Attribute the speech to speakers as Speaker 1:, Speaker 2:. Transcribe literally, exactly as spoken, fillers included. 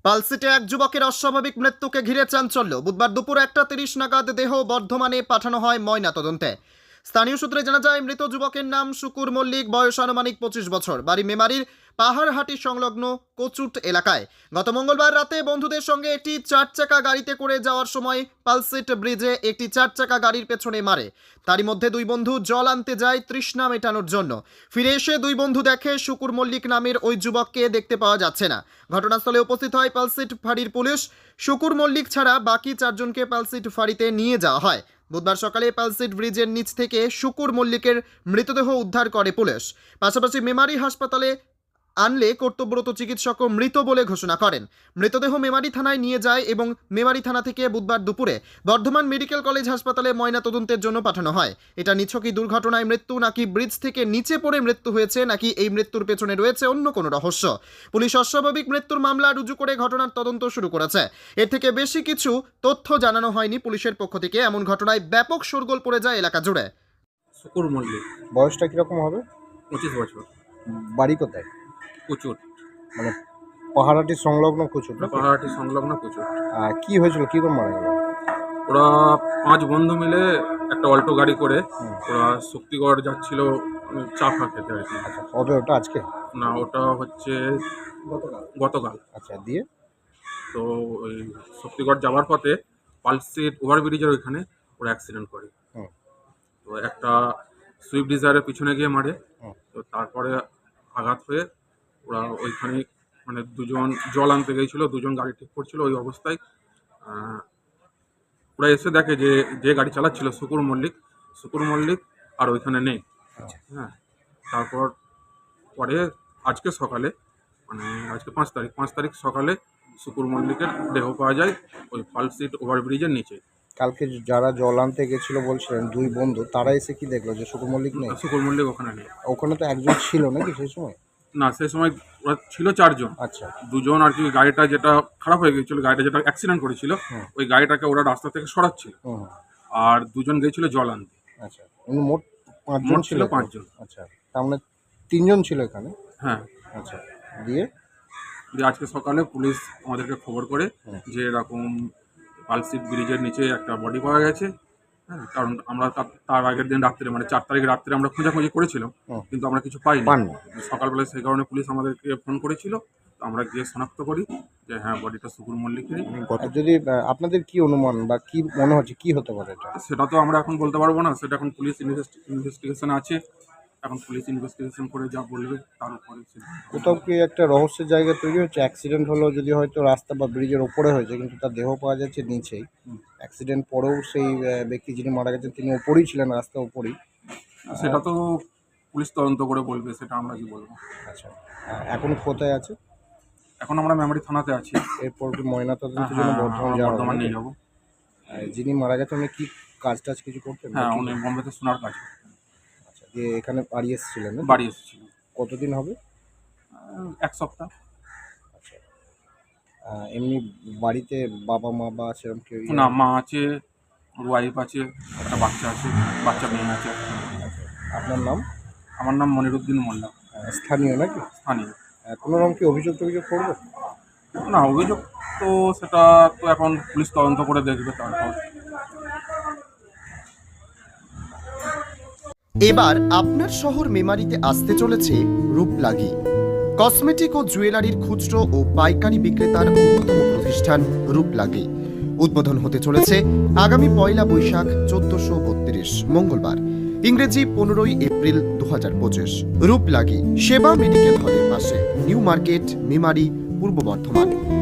Speaker 1: পালসিটে এক যুবকের অস্বাভাবিক মৃত্যুকে ঘিরে চাঞ্চল্য। বুধবার দুপুর একটা তিরিশ নাগাদ দেহ বর্ধমানে পাঠানো হয় ময়নাতদন্তে। স্থানীয় সূত্রে জানা যায়, মৃত যুবকের নাম শুকুর মল্লিক, বয়স আনুমানিক পঁচিশ বছর, বাড়ি মেমারির পাহাড়হাটি সংলগ্ন কচুট এলাকায়। গত মঙ্গলবার রাতে বন্ধুদের সঙ্গে একটি চার চাকা গাড়িতে করে যাওয়ার সময় পালসিট ব্রিজে একটি চার চাকা গাড়ির পেছনে মারে। তারই মধ্যে দুই বন্ধু জল আনতে যায় তৃষ্ণা মেটানোর জন্য। ফিরে এসে দুই বন্ধু দেখে শুকুর মল্লিক নামের ওই যুবককে দেখতে পাওয়া যাচ্ছে না। ঘটনাস্থলে উপস্থিত হয় পালসিট ফাঁড়ির পুলিশ। শুকুর মল্লিক ছাড়া বাকি চারজনকে পালসিট ফাঁড়িতে নিয়ে যাওয়া হয়। বুধবার সকালে পালসিট ব্রিজের নিচ থেকে শুকুর মল্লিকের মৃতদেহ উদ্ধার করে পুলিশ। পাশাপাশি মেমারি হাসপাতালে আনলে কর্তব্যরত চিকিৎসকও মৃত বলে ঘোষণা করেন। মৃতদেহ মেমারি থানায় নিয়ে যায় এবং মেমারি থানা থেকে বুধবার দুপুরে বর্ধমান মেডিকেল কলেজ হাসপাতালে ময়নাতদন্তের জন্য পাঠানো হয়। এটা নিছকই দুর্ঘটনায় মৃত্যু, নাকি ব্রিজ থেকে নিচে পড়ে মৃত্যু হয়েছে, নাকি এই মৃত্যুর পেছনে রয়েছে অন্য কোনো রহস্য, পুলিশ অস্বাভাবিক মৃত্যুর মামলা রুজু করে ঘটনার তদন্ত শুরু করেছে। এর থেকে বেশি কিছু তথ্য জানানো হয়নি পুলিশের পক্ষ থেকে। এমন ঘটনায় ব্যাপক শোরগোল পড়ে যায় এলাকা জুড়ে।
Speaker 2: শুকুর মল্লিক,
Speaker 3: বয়সটা কিরকম হবে?
Speaker 2: পঁচিশ বছর,
Speaker 3: বাড়ি কোথায়?
Speaker 2: কুচুর,
Speaker 3: মানে পাহাড়াটি সংলগ্ন কুচুর না?
Speaker 2: পাহাড়াটি সংলগ্ন কুচুর।
Speaker 3: আহ, কি হয়েছিল, কি করে মারা গেল?
Speaker 2: ওরা পাঁচ বন্ধু মিলে একটা অল্টো গাড়ি করে
Speaker 3: হুম।
Speaker 2: ওরা শক্তিগড় যাচ্ছিল উম, চা ফা খেতে আর কি।
Speaker 3: আচ্ছা, কবে ওটা? আজকে?
Speaker 2: না, ওটা হচ্ছে গতকাল।
Speaker 3: আচ্ছা, দিয়ে?
Speaker 2: তো ওই শক্তিগড় যাওয়ার পথে পালসিট ওভারব্রিজের ওইখানে ওরা অ্যাক্সিডেন্ট করে।
Speaker 3: হুম।
Speaker 2: তো একটা সুইফট ডিজায়ারের পিছনে গিয়ে মারে।
Speaker 3: হুম।
Speaker 2: তো তারপরে আঘাত হয়ে ওরা ওইখানে মানে দুজন জল আনতে গিয়েছিল, দুজন গাড়ি ঠিক করছিল। ওই অবস্থায় আহ, ওরা এসে দেখে যে যে গাড়ি চালাচ্ছিল শুকুর মল্লিক শুকুর মল্লিক আর ওইখানে নেই।
Speaker 3: আচ্ছা।
Speaker 2: হ্যাঁ, তারপর পরে আজকে সকালে মানে আজকে পাঁচ তারিখ পাঁচ তারিখ সকালে শুকুর মল্লিকের দেহ পাওয়া যায় ওই পালসিট ওভারব্রিজের নিচে।
Speaker 3: কালকে যারা জল আনতে গেছিল বলছিলেন দুই বন্ধু, তারা এসে কি দেখলো যে শুকুর মল্লিক নেই?
Speaker 2: শুকুর মল্লিক ওখানে নেই।
Speaker 3: ওখানে তো একজন ছিল নাকি সেই সময়?
Speaker 2: না, সেই সময় ওরা ছিল চারজন।
Speaker 3: আচ্ছা।
Speaker 2: দুজন আর কি গাড়িটা যেটা খারাপ হয়ে গেছিলো, গাড়িটা যেটা অ্যাক্সিডেন্ট করেছিল,
Speaker 3: হুম।
Speaker 2: ওই গাড়িটাকে ওরা রাস্তা থেকে সরাচ্ছিল।
Speaker 3: হুম।
Speaker 2: আর দুজন গিয়েছিল জল আনতে।
Speaker 3: আচ্ছা, উনি মোট পাঁচজন
Speaker 2: মোট
Speaker 3: ছিল?
Speaker 2: ছিল পাঁচজন।
Speaker 3: আচ্ছা, তার মানে তিনজন ছিল এখানে?
Speaker 2: হ্যাঁ।
Speaker 3: আচ্ছা, দিয়ে?
Speaker 2: দিয়ে আজকে সকালে পুলিশ আমাদেরকে খবর করে
Speaker 3: হুম।
Speaker 2: যে এরকম পালসিট ব্রিজের নিচে একটা বডি পাওয়া গেছে। হ্যাঁ, কারণ আমরা তার- তার আগের দিন রাত্রে মানে চার তারিখ রাত্রে আমরা খোঁজাখুঁজি করেছিলাম,
Speaker 3: হুম।
Speaker 2: কিন্তু আমরা কিছু পাইনি।
Speaker 3: পাননি?
Speaker 2: সকালবেলায় সেই কারণে পুলিশ আমাদেরকে ফোন করেছিল। তো আমরা গিয়ে শনাক্ত করি যে হ্যাঁ, বডিটা শুকুর মল্লিকেরই।
Speaker 3: আর যদি আহ, আপনাদের কি অনুমান বা কি মনে হচ্ছে কি হতে পারে এটা?
Speaker 2: সেটা তো আমরা এখন বলতে পারবো না, সেটা এখন পুলিশ ইনভেস্টিগেশন আছে। এখন পুলিশ ইনভেস্টিগেশন করে যা বলবে তার উপরে সিদ্ধান্ত হবে।
Speaker 3: কোথাও কি একটা রহস্যের জায়গা তৈরি হচ্ছে? অ্যাক্সিডেন্ট হলো যদি হয়তো রাস্তা বা ব্রিজের ওপরে হয়েছে, কিন্তু তার দেহ পাওয়া যাচ্ছে নিচেই।
Speaker 2: হুম।
Speaker 3: অ্যাক্সিডেন্ট পরেও সেই আহ, ব্যক্তি যিনি মারা গেছেন তিনি ওপরেই ছিলেন, রাস্তার ওপরেই।
Speaker 2: সেটা তো পুলিশ তদন্ত করে বলবে, সেটা আমরা কি বলবো।
Speaker 3: আচ্ছা, আহ, এখন কোথায় আছে?
Speaker 2: এখন আমরা মেমারি থানাতে আছি।
Speaker 3: এরপর কি ময়নাতদন্তের
Speaker 2: হ্যাঁ,
Speaker 3: জন্য বর্ধমান
Speaker 2: আমরা
Speaker 3: যাওয়া হবে
Speaker 2: বর্ধমান
Speaker 3: নাকি?
Speaker 2: নিয়ে যাবো।
Speaker 3: আর যিনি মারা গেছেন উনি কি কাজ টাজ কিছু করতেন?
Speaker 2: হ্যাঁ,
Speaker 3: নাকি?
Speaker 2: উনি বোম্বেতে সোনার কাজ করতেন।
Speaker 3: আচ্ছা, দিয়ে এখানে বাড়ি এসেছিলেন নাকি?
Speaker 2: বাড়ি এসেছিল
Speaker 3: কতদিন হবে?
Speaker 2: আহ, এক সপ্তাহ।
Speaker 3: আচ্ছা, আহ, এমনি বাড়িতে বাবা মা বা সেরকম কেউ?
Speaker 2: না, মা আছে, ওর ওয়াইফ আছে, একটা বাচ্চা আছে, বাচ্চা মেয়ে আছে।
Speaker 3: আপনার নাম?
Speaker 2: আমার নাম মনিরুদ্দিন মোল্লা,
Speaker 3: আহ, স্থানীয় নাকি?
Speaker 2: স্থানীয়।
Speaker 3: আহ, কোনো রকম কি অভিযোগ টভিযোগ করবে?
Speaker 2: না, অভিযোগ তো সেটা তো এখন পুলিশ তদন্ত করে দেখবে তারপর।
Speaker 1: এবার আপনার শহর মেমারিতে আসতে চলেছে রূপলাগি, কসমেটিক ও জুয়েলারির খুচরো ও পাইকারি বিক্রেতার অন্যতম প্রতিষ্ঠান রূপলাগি। উদ্বোধন হতে চলেছে আগামী পয়লা বৈশাখ চোদ্দশো বত্রিশ মঙ্গলবার, ইংরেজি পনেরোই এপ্রিল দু হাজার পঁচিশ। রূপলাগি সেবা মেডিকেল হলের পাশে, নিউ মার্কেট, মেমারি, পূর্ব বর্ধমান।